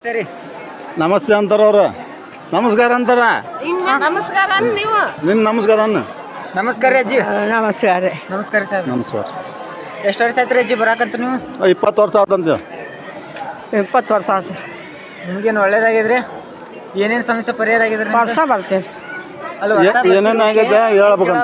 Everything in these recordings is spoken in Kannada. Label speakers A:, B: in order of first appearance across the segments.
A: ಸರಿ
B: ನಮಸ್ತೆ ಅಂತಾರ ಅವ್ರ ನಮಸ್ಕಾರ ಅಂತಾರ
C: ನಮಸ್ಕಾರ ನೀವು
B: ನಿನ್ನ ನಮಸ್ಕಾರ ಅನ್ನ
A: ನಮಸ್ಕಾರ ರೀ ಅಜ್ಜಿ.
C: ನಮಸ್ಕಾರ
A: ನಮಸ್ಕಾರ ಸರ್.
B: ನಮಸ್ಕಾರ.
A: ಎಷ್ಟು ವರ್ಷ ಆಯ್ತು ರೀ ಅಜ್ಜಿ ಬರಾಕಂತ ನೀವು?
B: 20 ವರ್ಷ ಆತಂತ.
C: 20 ವರ್ಷ ಆಯ್ತು.
A: ನಿಮ್ಗೇನು ಒಳ್ಳೇದಾಗಿದ್ರಿ? ಏನೇನು ಸಮಸ್ಯೆ ಪರಿಹಾರ ಆಗಿದ್ರಿ?
C: ವರ್ಷ ಬರ್ತೇವೆ
A: ಅಲ್ಲ
B: ಏನೇನು ಆಗೈತೆ ಹೇಳ್ಬೇಕಂತ.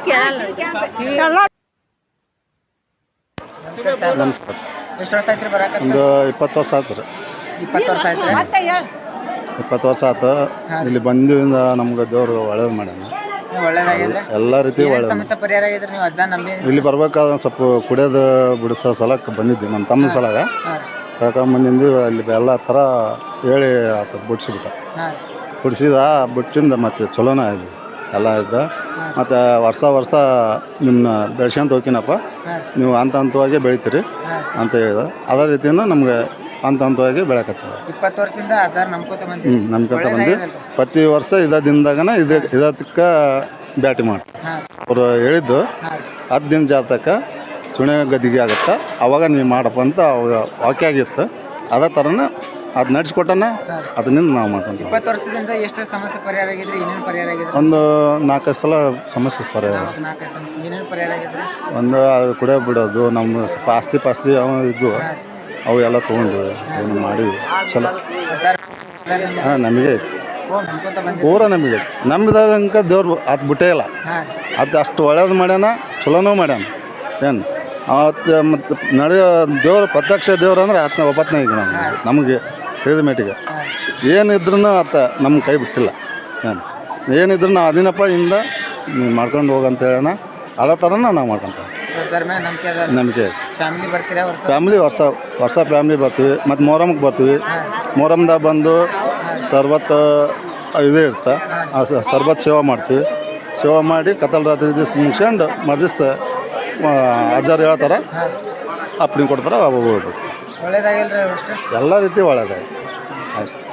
B: ನಮಸ್ಕಾರ.
A: ಎಷ್ಟು ವರ್ಷ ಆಯ್ತು ರೀ ಬರಾಕಂತ?
B: ಒಂದು 20 ವರ್ಷ ಆಯ್ತು ರೀ.
A: 20 ವರ್ಷ ಆಯ್ತು ರೀ.
B: 20 ವರ್ಷ ಆಯ್ತು. ಇಲ್ಲಿ ಬಂದಿಂದ ನಮ್ಗೆ ದೇವ್ರು ಒಳ್ಳೇದು ಮಾಡ್ಯಾನ.
A: ಒಳ್ಳೇದಾಗಿದ್ರೆ
B: ಎಲ್ಲ ರೀತಿ ಒಳ್ಳೇದು.
A: ಸಮಸ್ಯೆ ಪರಿಹಾರ ಆಗಿದ್ರಿ ನೀವು ಅಜ್ಜ ನಂಬಿ?
B: ಇಲ್ಲಿ ಬರ್ಬೇಕಾದ್ರೆ ಸ್ವಲ್ಪ ಕುಡಿಯೋದು ಬಿಡಿಸೋ ಸಲಕ್ಕೆ ಬಂದಿದ್ವಿ ನಮ್ಮ ತಮ್ಮನ ಸಲಾಗ ಕರ್ಕೊಂಬಂದಿಂದು ಅಲ್ಲಿ ಎಲ್ಲ ಥರ ಹೇಳಿ ಆತ ಬಿಡಿಸಿಬಿಟ್ಟ. ಬಿಡಿಸಿದ ಬಿಟ್ಟಿಂದ ಮತ್ತು ಚಲೋನ ಆಯ್ತು ಎಲ್ಲ ಇದ್ದ. ಮತ್ತು ವರ್ಷ ನಿಮ್ಮನ್ನ ಬೆಳ್ಸ್ಕೊಂತ ಹೋಗ್ತೀನಪ್ಪ, ನೀವು ಹಂತವಾಗಿ ಬೆಳಿತೀರಿ ಅಂತ ಹೇಳಿದ. ಅದೇ ರೀತಿಯಿಂದ ನಮ್ಗೆ ಹಂತವಾಗಿ ಬೆಳಕತ್ತೀವಿ.
A: 20 ವರ್ಷದಿಂದ ಅಜ್ಜಾರ ನಂಬ್ಕೊತ ಬಂದಿವಿ.
B: ನಂಬ್ಕೊಂತ ಬಂದು ಪ್ರತಿ ವರ್ಷ ಇದದಿಂದಾಗನ ಇದಕ್ಕೆ ಬ್ಯಾಟಿ ಮಾಡಿ ಅವರು ಹೇಳಿದ್ದು 10 ದಿನ ಜಾತಕ ಚುಣೆ ಗದಿಗೆ ಆಗುತ್ತೆ, ಅವಾಗ ನೀವು ಮಾಡಪ್ಪ ಅಂತ ಅವಾಗ ವಾಕ್ಯ ಆಗಿತ್ತು. ಅದೇ ಥರನ ಅದು ನಡೆಸ್ಕೊಟ್ಟನ ಅದರಿಂದ ನಾವು ಮಾಡ್ಕೊಂತೀವಿ.
A: 20 ವರ್ಷದಿಂದ ಎಷ್ಟು ಸಮಸ್ಯೆ ಪರಿಹಾರ ಆಗಿದ್ರಿ? ಏನೇನು ಪರಿಹಾರ ಆಗಿದ್ರಿ?
B: ಒಂದು 4-5 ಸಲ ಸಮಸ್ಯೆ ಪರಿಹಾರ.
A: 4 ಸಮಸ್ಯೆ ಏನೇನು ಪರಿಹಾರ ಆಗಿದ್ರಿ?
B: ಒಂದು ಕುಡಿಯೋ ಬಿಡೋದು, ನಮ್ಮ ಸ್ವಲ್ಪ ಆಸ್ತಿ ಅವ ಇದ್ದು ಅವು ಎಲ್ಲ ತೊಗೊಂಡು ಏನು ಮಾಡಿ ಚಲೋ. ಹಾಂ, ನಮಗೆ ಪೂರ ನಮಗೆ ನಮ್ಮಿದಂಕ ದೇವ್ರು ಅದು ಬಿಟ್ಟೇ ಇಲ್ಲ. ಅದು ಅಷ್ಟು ಒಳ್ಳೇದು ಮಾಡ್ಯಾನ, ಚಲೋನೂ ಮಾಡ್ಯಾನ. ಏನು ಅವತ್ತು ಮತ್ತು ನಡೆಯೋ ದೇವ್ರು ಪ್ರತ್ಯಕ್ಷ ದೇವ್ರು ಅಂದ್ರೆ ಆತನ ಒಪ್ಪತ್ತನೇ ಈಗ ನಮಗೆ ತಿಳಿದ ಮೇಟಿಗೆ ಏನಿದ್ರೂ ಆತ ನಮ್ಮ ಕೈ ಬಿಟ್ಟಿಲ್ಲ. ಏನಿದ್ರು ನಾವು ಅದಿನಪ್ಪ ಇಂದ ನೀವು ಮಾಡ್ಕೊಂಡು ಹೋಗಂತ ಹೇಳೋಣ. ಅದೇ ಥರನ ನಾವು ಮಾಡ್ಕೊತೀವಿ. ನಂಬಿಕೆ ಫ್ಯಾಮಿಲಿ ವರ್ಷ ಫ್ಯಾಮಿಲಿ ಬರ್ತೀವಿ. ಮತ್ತು ಮೊಹರಮ್ಗೆ ಬರ್ತೀವಿ. ಮೊಹರಮ್ದಾಗ ಬಂದು ಸರ್ಬತ್ ಇದೇ ಇರ್ತಾ ಆ ಸರ್ಬತ್ ಸೇವೆ ಮಾಡ್ತೀವಿ. ಸೇವೆ ಮಾಡಿ ಕತ್ತಲ ರಾತ್ರಿ ದಿವಸ ಮುಗಿಸ್ಕೊಂಡು ಮರುದಿವ್ಸ ಅಜ್ಜಾರು ಹೇಳ್ತಾರೆ, ಅಪ್ಪಣೆ ಕೊಡ್ತಾರೆ, ಅವಾಗ ಹೋಗ್ಬೇಕು.
A: ಒಳ್ಳೇದಾಗಿಲ್ಲ
B: ಎಲ್ಲ ರೀತಿ ಒಳ್ಳೇದಾಗಿ.